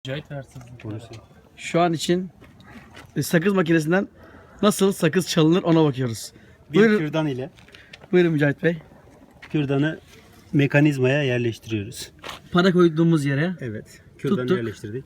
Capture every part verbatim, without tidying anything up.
Cahit hırsızlık. Şu an için e, sakız makinesinden nasıl sakız çalınır ona bakıyoruz. Bir Buyurun, kürdan ile buyurun Mücahit Bey. kürdanı mekanizmaya yerleştiriyoruz. Para koyduğumuz yere. Evet. Kürdanı Tuttuk. yerleştirdik.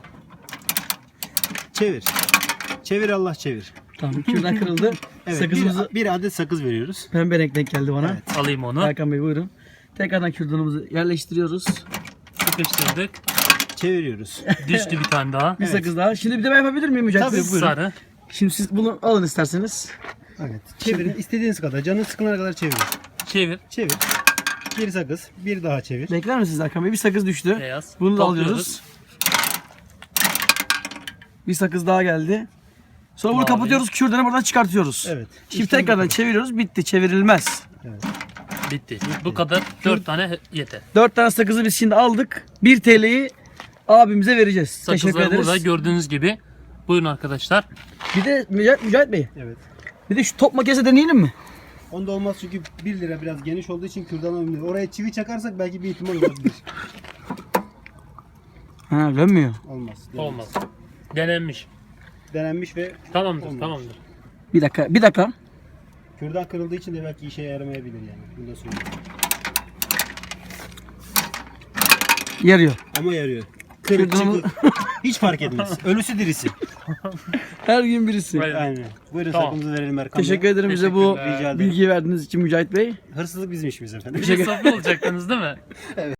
Çevir. Çevir Allah çevir. Tamam, kürdan kırıldı. Evet. Sakızımızı Bir, bir adet sakız veriyoruz. pembe renk denk geldi bana. Evet. Alayım onu. Erkan Bey buyurun. Tekrardan kürdanımızı yerleştiriyoruz. Sıkıştırdık. Çeviriyoruz. Düştü bir tane daha. Bir sakız daha. Şimdi bir de ben yapabilir miyim Mücahit Tabii, Bey? Buyurun. Sarı. Şimdi siz bunu alın isterseniz. Evet. Çevirin. İstediğiniz kadar. Canın sıkılana kadar çevirin. Çevir. Çevir. Bir sakız. Bir daha çevir. Bekler misiniz Erkan Bey? Bir sakız düştü. Beyaz. Bunu da Topluyoruz. alıyoruz. Bir sakız daha geldi. Sonra bunu Mavi. kapatıyoruz. Kürdanı buradan çıkartıyoruz. Evet. Şimdi İşlem tekrardan bitti. çeviriyoruz. Bitti. Çevrilmez. Evet. Bitti. Bu kadar. Dört tane yeter. dört tane sakızı biz şimdi aldık. bir T L'yi abimize vereceğiz. Teşekkür Sakızları ederiz. burada gördüğünüz gibi. Buyurun arkadaşlar. Bir de Mücahit, Mücahit Bey. Evet. Bir de şu top makinesi deneyelim mi? Onda olmaz çünkü bir lira biraz geniş olduğu için kürdan olmuyor. Oraya çivi çakarsak belki bir ihtimal olabilir. Ha, dönmüyor. Olmaz. Olmaz. Denenmiş. Denenmiş ve Tamamdır. Olmaz. Tamamdır. Bir dakika. Bir dakika. kürdan kırıldığı için de belki işe yaramayabilir yani. Bunu da söyleyeyim. Yarıyor. Ama yarıyor. Kırık Kürdanımı- çıkık. Hiç fark etmez. Ölüsü dirisi. Her gün birisi. Aynen. Aynen. Buyurun Tamam. sakımızı verelim Erkan Teşekkür Bey. ederim bize bu Teşekkürler. Rica ederim. bilgiyi verdiğiniz için Mücahit Bey. Hırsızlık bizim işimiz efendim. Bir de saflı olacaktınız değil mi?